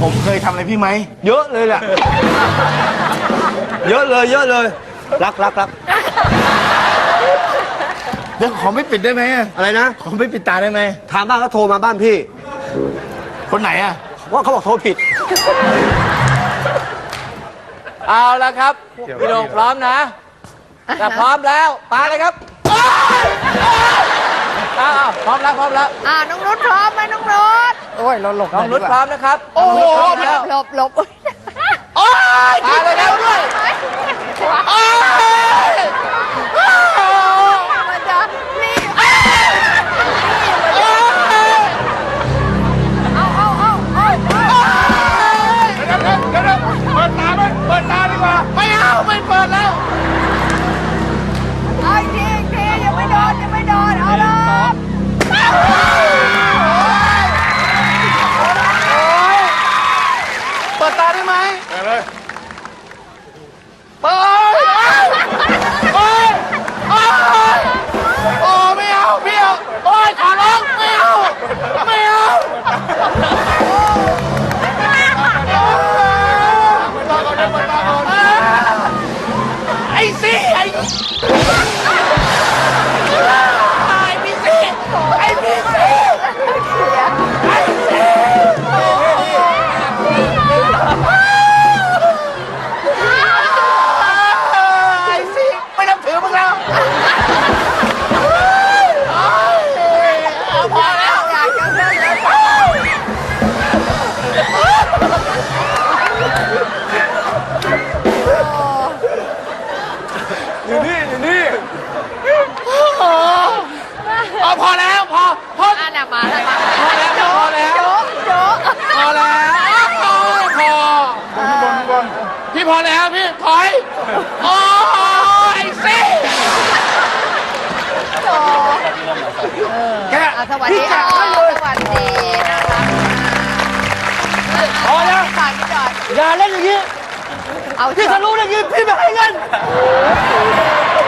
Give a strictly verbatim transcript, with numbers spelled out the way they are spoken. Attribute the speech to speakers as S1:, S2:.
S1: ผมเคยทำอะไรพี่ไหม
S2: เยอะเลยแหละเยอะเลยเยอะเลยรักรักรัก
S1: เดี๋ยวขอไม่ปิดได้ไหมอะ
S2: อะไรนะ
S1: ขอไม่ปิดตาได้ไหม
S2: ถามบ้านเขาโทรมาบ้านพี่
S1: คนไหนอะ
S2: ว่าเขาบอกโทรผิด
S3: เอาละครับพี่โด่งพร้อมนะถ้าพร้อมแล้วมาเลยครับอ้าวพร้อมแล้วพร้อมแล้ว
S4: อ่าน้องนุชพร้อมไหมน้องนุช
S1: โอ้ยเราหลบ
S3: น้องนุชพร้อมนะครับ
S1: โอ้โห
S3: น้องนุชพร้อมแล้ว
S4: หลบหลบ
S1: โอ้ย
S3: มาเลยครับด้วย
S1: โอ้ย
S4: มันจะนี่เอาเอาเอาเอา
S1: เดี๋ยวเดี๋ยวเดี๋ยวเปิดตาไหมเปิดตาดีกว่าไม่เอาไม่เปิดแล้ว
S4: เอาอีกทีอีกทียังไม่โดนยังไม่โดนเอาเลย
S1: เปิดตาได้ไหมเปิดเลยเปิดโอ้ยโอ้ยโอ้ไม่เอาพี่เอาโอ้ยขอร้องไม่เอาไม่เอาไอ้สิไอ้ไอ้พี่สิไอ้พี่สิไอ้สิไอ้สิไม่นับถือมึงแล้วพอแล้ว
S4: อยากจะเล่นเลย
S2: อยู่นี่อยู่นี่
S1: เอาพอแล้วพอพอ
S4: อ่ะน่ะมาแล้วมา
S1: พอแล้วพอแล้ว
S4: โจ๊ะโจ๊ะ
S1: พอแล้วพอพอพี่พอแล้วพี่ถอยโอ้ยสิ
S4: โจ๊ะ
S1: แก
S4: อ่ะสวัสดีค่ะสวัสดีนะคะ
S2: พอแล้ว
S4: ฝากพี่จอด
S2: อย่าเล่นอย่างนี้
S4: เอา
S2: พี่ทะลุอย่างนี้พี่ไม่ให้เงิน